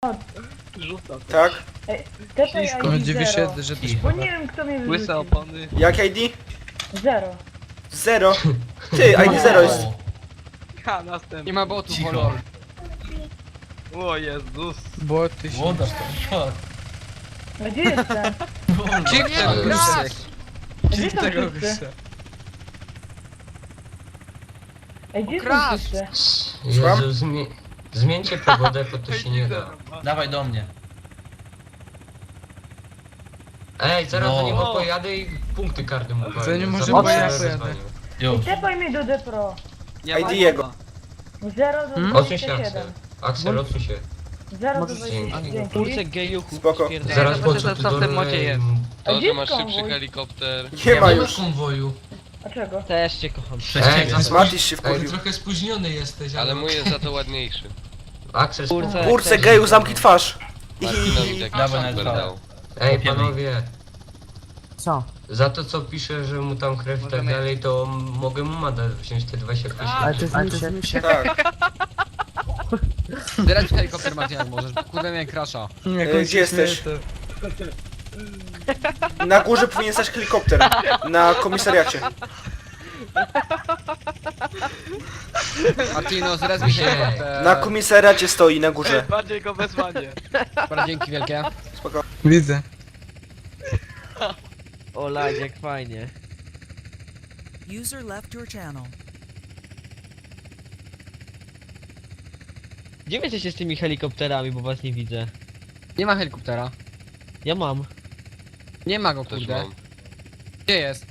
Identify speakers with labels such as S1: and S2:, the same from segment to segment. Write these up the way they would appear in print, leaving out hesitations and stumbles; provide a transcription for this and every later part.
S1: Rzucam.
S2: Tak?
S3: Tepaj
S1: Ślisko.
S3: ID
S4: Dziwię
S3: 0.
S4: się, że ty
S3: Bo nie wiem kto mnie
S1: Łyse
S3: wyrzucił.
S1: opony.
S2: Jak ID?
S3: 0.
S2: 0. Ty, ID 0 jest.
S1: Ha, następny.
S5: Nie ma botów,
S4: Cicho.
S5: lol.
S1: O Jezus.
S5: Bo ty się...
S4: Młodasz to.
S3: A gdzie jestem?
S5: Gdzie nie
S4: Ale
S5: grasz?
S3: Gdzie są
S5: Tego
S3: wszyscy?
S5: gościa.
S3: Ej, gdzie są
S5: Crash!
S3: wszyscy?
S6: Jezu, zmieńcie pogodę, bo to się nie da.
S4: Dawaj do mnie.
S6: Ej, zaraz
S4: No.
S6: do niego pojadę i punkty karty mu powiem.
S5: Zanim może
S6: Zobacz,
S3: bo ja
S6: co
S5: pojadę.
S6: wyzwanie.
S3: Ej,
S4: Już.
S3: tepaj mnie do Depro.
S1: Nie ma
S2: ID jego.
S1: bota.
S3: 0 do
S6: Odsuń się,
S3: 27.
S6: Axel. Axel, odsuń się.
S3: 0 do
S6: Możesz
S3: 27.
S6: dzięki.
S3: Dzięki.
S1: gejuchu.
S2: Spoko.
S6: Zaraz
S1: zobaczę,
S6: po co
S1: co
S6: tu
S1: w tym modzie jest.
S3: A
S7: To,
S3: gdzie
S7: że masz
S3: jest
S7: szybszy
S3: konwój?
S7: helikopter.
S2: Nie ma
S4: Ja
S2: już.
S4: konwoju.
S3: A czego?
S8: Też cię kocham.
S4: Przez
S6: Ej,
S4: ciebie.
S2: Matisz się
S6: Ej,
S2: wkurwił.
S4: Trochę spóźniony jesteś,
S7: Ale mój jest za to ładniejszy.
S6: Axel,
S8: Kurczę.
S2: Kurce geju, zamknij twarz.
S7: Martino mi taki
S4: Dawaj na
S7: super
S4: dwa.
S7: dał.
S6: Ej,
S4: Kopiemy.
S6: panowie.
S9: Co?
S6: Za to co pisze, że mu tam krew i tak
S1: Możemy-
S6: dalej, to mogę mu mandat wziąć te 25
S9: Ale to
S6: tysięcy.
S9: jest mi się.
S2: Tak.
S5: Zbierać helikopter, Martin, jak możesz. Kurde, mnie crasha.
S2: Gdzie jesteś? Na górze powinien stać helikopter. Na komisariacie.
S5: Martino, zrezwij
S6: Nie.
S5: helikopter.
S2: Na komisariacie stoi, na górze.
S1: Bardziej go wezwanie.
S5: Dobra, dzięki wielkie.
S2: Spoko.
S5: Widzę.
S8: O, jak fajnie.
S10: User left your channel.
S8: Gdzie wy jesteście z tymi helikopterami, bo was nie widzę?
S5: Nie ma helikoptera.
S8: Ja mam.
S5: Nie ma go,
S7: Też
S5: kurde.
S7: mam.
S5: Gdzie jest?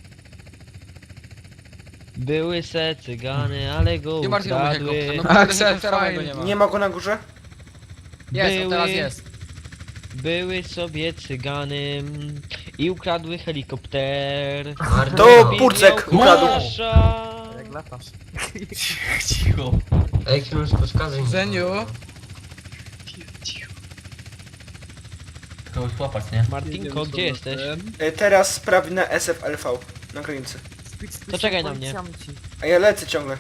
S8: Były se cygany, ale go
S5: Gdzie Martin mój
S8: ukradły.
S5: helikopter? No kurde, helikoptera mojego nie ma.
S2: Nie ma go na górze?
S5: Jest, o, teraz
S8: Były-
S5: jest.
S8: Były sobie cygany i ukradły helikopter.
S6: Martin,
S2: To
S6: no.
S2: Purcek
S8: Miał
S2: ukradł.
S8: Crasha.
S9: Jak latasz.
S4: Cicho.
S6: Ej, chwilę wskazuj.
S5: Zeniu.
S4: Kogoś łapać, nie?
S8: Martinko, gdzie jesteś?
S2: Teraz sprawi na SFLV. Na granicy.
S8: To czekaj na mnie.
S2: A ja lecę ciągle.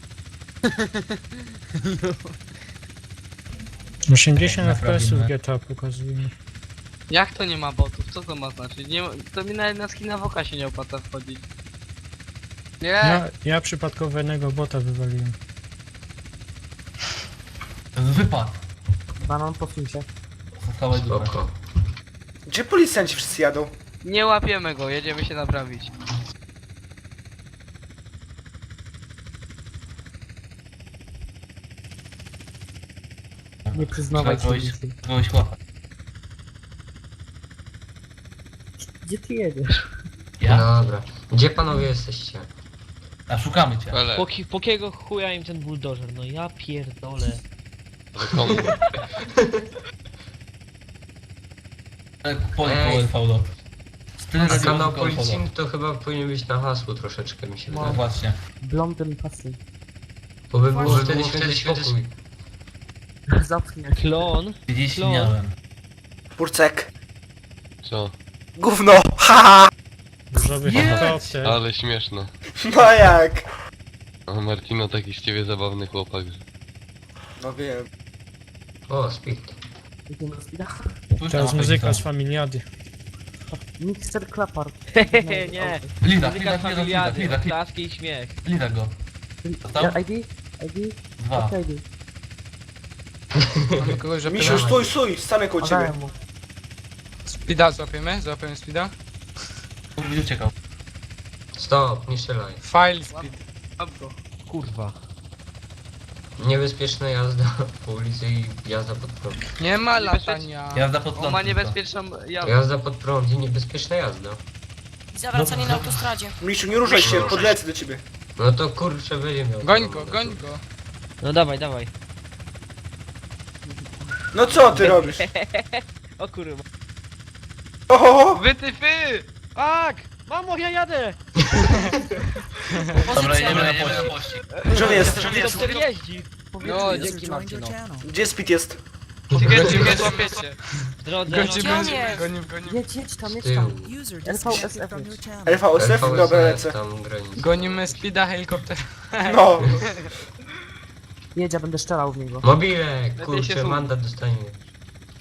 S11: 80
S4: Naprawimy.
S11: FPS-ów GTA pokazuje.
S1: Jak to nie ma botów? Co to ma znaczyć? Nie, to mi nawet na skina woka się nie opłaca wchodzić.
S5: Nie.
S11: Ja przypadkowego bota wywaliłem.
S4: To jest wypad.
S9: Banan posuń się.
S4: Zostałeś dupę.
S6: Spoko.
S2: Gdzie policjanci wszyscy jadą?
S1: Nie łapiemy go, jedziemy się naprawić.
S9: Nie przyznawaj
S4: Trzeba
S9: się.
S4: kogoś łapać.
S9: Gdzie ty jedziesz?
S4: Ja?
S6: Dobra. Gdzie panowie jesteście?
S4: A szukamy cię.
S7: Ale,
S8: Po kiego chuja im ten buldożer? No ja pierdolę.
S7: komu?
S4: Po
S6: Ej.
S4: LV.
S6: A kanał policyjny to chyba powinien być na hasło troszeczkę, mi się
S4: No
S6: wydaje.
S4: właśnie.
S9: Blondyn pasy.
S6: Bo by było wtedy święty spokój.
S9: Zapchnie.
S8: Klon.
S4: Gdzieś
S8: Klon.
S4: miałem.
S2: Purcek.
S7: Co?
S2: Gówno. Haha.
S11: Różowy helikopter.
S7: Ale śmieszne.
S2: No jak?
S7: A Martino taki z ciebie zabawny chłopak. że-
S2: No wiem.
S6: O, speed.
S9: Idziemy na speeda.
S4: Pójdź
S11: To jest
S4: na
S11: muzyka
S4: mapę,
S11: z Familiady.
S9: Mixer Klapar.
S8: Hehe, nie.
S4: Lida,
S8: Muzyka familiady,
S4: lida.
S8: klaski i śmiech.
S4: Lida go.
S9: Ja, ID? ID?
S4: 2.
S9: Ok, ID.
S5: Mamy kogoś, że
S2: Misiu, stój, stanę koło ciebie.
S9: Podałem mu.
S5: Speeda złapiemy? Złapiemy speeda?
S4: Będzie uciekał.
S6: Stop, nie strzelaj.
S5: File speed.
S1: Łap go.
S8: Kurwa.
S6: Niebezpieczna jazda po ulicy i jazda pod prąd.
S5: Nie ma latania.
S4: Jazda pod
S1: On
S4: prąd
S1: ma
S4: tylko.
S1: niebezpieczną jazdę.
S6: Jazda pod prąd i niebezpieczna jazda.
S10: Zawracanie na autostradzie.
S2: Misiu, nie ruszaj się, podlecę do ciebie.
S6: No to kurczę będzie miał.
S5: Goń go, goń go.
S8: No dawaj, dawaj.
S2: No co ty robisz?
S8: O kurwa.
S2: Oho!
S1: Wytyfy!
S8: Tak! Mamo, ja jadę!
S4: Dobra, jedziemy na
S10: Pozycja.
S4: pościg.
S2: Gdzie on jest?
S8: Helikopter jeździ.
S5: No,
S10: User
S5: dzięki
S10: joined your
S5: Martino.
S10: channel.
S2: Gdzie Speed jest?
S1: Czekajcie, złapiecie.
S8: W drodze.
S5: Gońcie,
S10: Gdzie on
S5: gońcie,
S10: jest?
S5: gońcie, gońcie.
S9: Jedź tam,
S6: Z
S9: jedź
S6: tyłu.
S9: tam.
S10: User
S9: LVSF
S10: disconnected from your
S9: jest.
S10: channel.
S2: LVSF? Dobra, lecę.
S6: tam granica.
S5: Gonimy speeda, helikopter.
S2: No.
S9: Jedź, ja będę strzelał w niego.
S6: Mobilek,
S1: Lepiej się
S6: kurczę,
S1: słucha.
S6: mandat dostanie.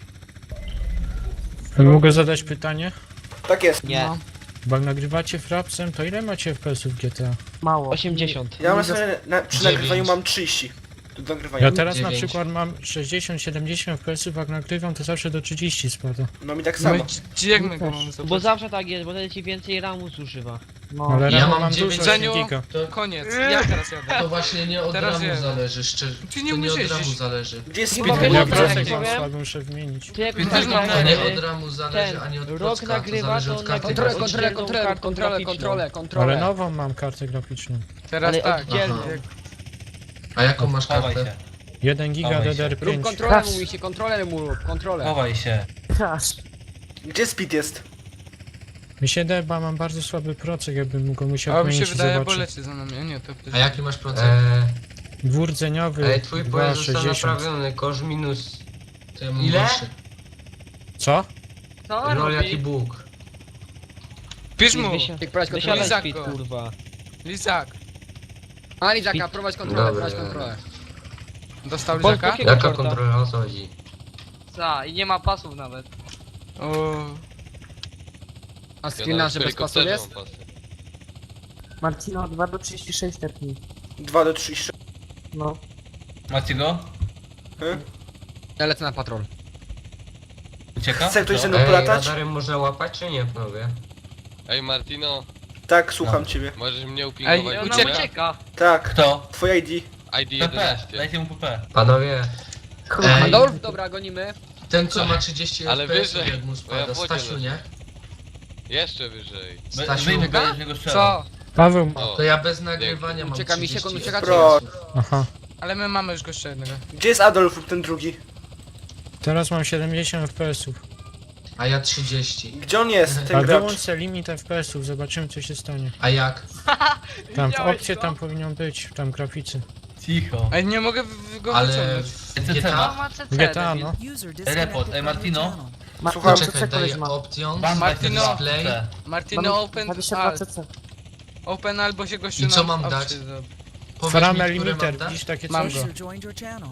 S11: Mogę zadać pytanie?
S2: Tak jest.
S8: Nie.
S5: No.
S11: Bo jak nagrywacie frapsem, to ile macie FPS-ów w GTA?
S9: Mało.
S8: 80.
S2: Ja mam sobie przy
S6: 9.
S2: nagrywaniu mam 30. Do nagrywania.
S11: Ja teraz na
S6: 9.
S11: przykład mam 60-70 FPS-ów, jak nagrywam, to zawsze do 30 spada.
S2: No mi tak
S5: No
S2: samo.
S5: i jak my go mamy
S8: Bo
S5: zobaczyć?
S8: zawsze tak jest, bo wtedy ci więcej ramu zużywa.
S9: No.
S11: Ale
S6: Ja
S11: rano
S6: mam
S11: mam
S6: 9.
S11: dużo
S5: Zeniu.
S11: giga.
S5: Koniec, ja teraz jadę.
S6: To właśnie nie od
S5: Teraz
S6: ramu
S5: wiem.
S6: zależy, szczerze.
S5: Ty nie
S6: To nie
S5: umiesz
S6: od ramu
S5: jeździć.
S6: zależy.
S2: Gdzie jest
S8: Chyba
S2: speed?
S8: wiesz,
S11: Ja
S8: co
S11: procek
S8: ja
S11: mam
S8: powiem?
S11: słaby, muszę wymienić.
S8: To jak
S5: Też
S8: tak
S5: mam
S6: To nie
S8: nagrywamy,
S6: od ramu zależy, ani od
S8: rok
S6: procka, to
S8: nagrywa,
S6: zależy
S8: to
S6: od karty.
S8: nagrywa
S5: Kontrolę,
S6: graficznej.
S5: kontrolę,
S8: oddzielną
S5: kontrolę,
S8: kartą
S5: kontrolę,
S8: graficzną.
S5: kontrolę,
S11: Ale
S5: kontrolę.
S11: nową mam kartę graficzną.
S5: Teraz
S8: Ale
S5: tak.
S8: oddzielną.
S6: A jaką masz
S4: Chowaj
S6: kartę?
S4: się.
S11: 1 giga
S4: Chowaj się.
S11: DDR5.
S5: kontrolę, mówi się, kontrolę mu rób, kontrolę.
S4: Chowaj się.
S9: Aż.
S2: Gdzie speed jest?
S11: Mi się daje, bo mam bardzo słaby procek, jakbym go musiał
S5: A mi się
S11: wymienić i
S5: wydaje, bo
S11: zobaczyć.
S5: leci za nami, a nie, to
S6: A jaki masz procent?
S11: Dwurdzeniowy,
S6: Ej, twój pojazd został
S11: 2,60.
S6: naprawiony, kosz minus. To ja mam
S5: Ile?
S6: gorszy.
S11: Co?
S1: Co
S6: Rol jaki
S1: robi?
S6: Bóg.
S5: Pisz mu,
S8: Wysiadaj
S5: Lizak
S8: speed,
S5: go.
S8: kurwa.
S5: Lizak. A Lizaka, prowadź kontrolę,
S6: Dobra.
S5: prowadź kontrolę. Dostał
S8: Bądź
S5: Lizaka?
S8: takiego
S6: Jaka
S8: korta.
S6: kontrola, o co chodzi?
S1: Za, i nie ma pasów nawet.
S5: O. A screena, że bez pasu jest?
S9: Marcino 2 do 36 tepnij.
S2: 2 do 3.
S9: No.
S4: Macie go?
S5: Ja lecę na patrol.
S4: Ucieka?
S2: Chce ktoś
S4: Co?
S2: ze mną
S6: Ej,
S2: polatać?
S6: radarem można łapać, czy nie, panowie?
S7: Ej Martino,
S2: Tak, słucham
S4: No.
S2: ciebie.
S7: możesz mnie
S5: Ej,
S7: upingować?
S1: Ona
S5: ucieka.
S1: ucieka.
S2: Tak,
S4: Kto?
S2: twoje ID.
S7: ID
S4: PP.
S7: 11.
S4: Dajcie mu PP.
S6: Panowie, Ej.
S5: Adolf, dobra, gonimy.
S6: ten co ma 30
S7: Ale
S6: FPS,
S7: wyżej,
S6: jak mu
S7: bo ja
S6: spada,
S7: w wodzie
S6: Stasiu,
S7: leżę.
S6: nie?
S7: Jeszcze wyżej.
S6: Stasiu,
S4: Wyjmę go, z niego strzelam.
S5: Co?
S11: Paweł ma.
S7: O,
S6: to ja bez nagrywania mam
S5: Ucieka mi
S6: 30
S5: sekund, ucieka
S2: Pro.
S6: FPS-ów.
S11: Aha.
S5: Ale my mamy już gościa jednego.
S2: Gdzie jest Adolf lub ten drugi?
S11: Teraz mam 70 FPS-ów.
S6: A ja 30.
S2: Gdzie on jest,
S11: A
S2: ten gracz?
S11: wyłącz se limit FPS-ów, zobaczymy co się stanie.
S6: A jak?
S11: Tam w
S1: Widziałeś
S11: opcie
S1: to?
S11: tam powinien być, tam graficy.
S4: Cicho.
S5: Ej, nie mogę go
S6: Ale
S5: wyciągnąć.
S6: w
S4: CC
S6: GTA?
S4: ma.
S1: Ma CC,
S11: GTA,
S1: debil.
S11: no.
S10: User
S4: Report,
S10: disconnected from your
S4: Martino.
S10: channel.
S2: Słucham.
S9: Marcino,
S6: Czekaj,
S9: CC koleś
S6: daję
S9: ma.
S6: opcją.
S4: Bam,
S5: Martino.
S4: Display.
S5: Martino, open,
S9: 22
S5: alt.
S9: CC.
S5: Open albo się gościu
S6: I co
S5: na
S6: mam dać?
S5: opcję zrobi.
S6: Powiedz mi,
S11: Frame
S6: które
S11: limiter,
S6: mam dać?
S11: widzisz takie
S5: Mam
S11: coś?
S5: go.
S10: User joined your channel.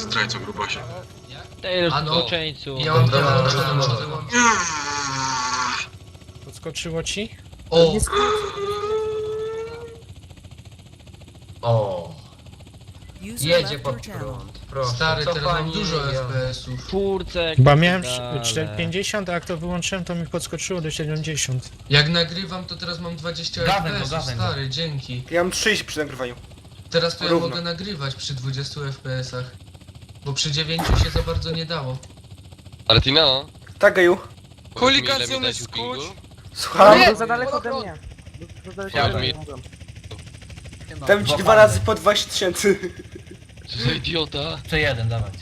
S8: Ty,
S6: A no.
S8: zboczeńcu.
S6: Ja mam
S7: Dobra,
S6: wyłączone,
S7: dobra,
S6: może
S7: dobra.
S6: wyłączyć.
S11: Podskoczyło ci?
S6: O!
S9: Nie skręć.
S6: O!
S10: User
S6: Jedzie
S10: left
S6: pod
S10: your channel.
S6: prąd, proszę.
S5: Stary, teraz mam
S6: Cofanie,
S5: dużo
S6: ja-
S5: FPS-ów.
S8: Czwórce.
S11: Chyba miałem
S8: ale-
S11: 50, a jak to wyłączyłem, to mi podskoczyło do 70.
S6: Jak nagrywam, to teraz mam 20
S4: Gawę go,
S6: FPS-ów,
S4: gawę go.
S6: stary, dzięki.
S2: Ja mam 30 przy nagrywaniu.
S6: Teraz to ja
S2: Równo.
S6: mogę nagrywać przy 20 FPS-ach. Bo przy 9 się za bardzo nie dało.
S7: Martino,
S2: Tak, Geju.
S7: powiedz mi, ile
S5: Kolikacją
S7: mi dać
S5: jest
S7: upingu?
S5: skrót.
S2: Słucham.
S9: To za daleko ode mnie. Za daleko
S7: Ja
S9: ode mnie.
S7: mi-
S9: mogłem.
S2: Dam ci 2 razy po 20 tysięcy.
S7: Co za idiota?
S4: Jeszcze jeden, dawać.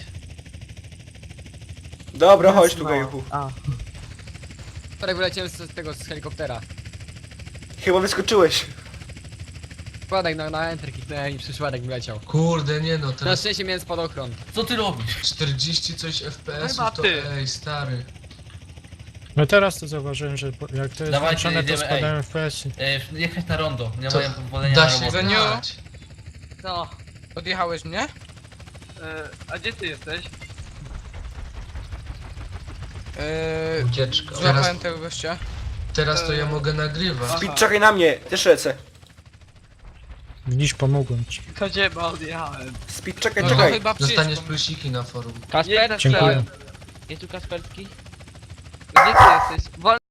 S2: Dobra, chodź tu,
S9: No.
S2: Gejuchu.
S9: A,
S5: Wczoraj wyleciałem z tego, z helikoptera.
S2: Chyba wyskoczyłeś.
S5: Przypadek na enter kliknąłem i przypadek wyleciał.
S6: Kurde, nie no,
S5: Na
S6: teraz
S5: szczęście miałem spadochron.
S4: Co ty robisz?
S6: 40 coś
S1: Chyba
S6: FPS-ów to
S1: ty.
S6: ej, stary.
S11: No teraz to zauważyłem, że jak to jest
S4: Dawajcie,
S11: włączone, to
S4: jedziemy,
S11: spadają FPS-y.
S4: Jechać na rondo. Nie
S6: To
S4: mają pozwolenia
S6: Da
S4: na
S6: się
S4: robotę.
S5: Zeniu?
S6: grać.
S1: Co?
S5: Odjechałeś mnie?
S1: A gdzie ty jesteś?
S6: Ucieczka.
S5: Złapałem tego gościa.
S6: Teraz to ja mogę nagrywać.
S2: Speed, czekaj na mnie. Też lecę.
S11: Widzisz, pomogłem ci.
S1: To ciebie odjechałem.
S2: Speed, czekaj,
S5: No to
S2: czekaj.
S5: chyba
S6: Dostaniesz
S5: przyjdź.
S6: plusiki na forum.
S8: Kasper?
S11: Dziękuję.
S8: Jest tu Kasperski?
S1: Gdzie ty jesteś?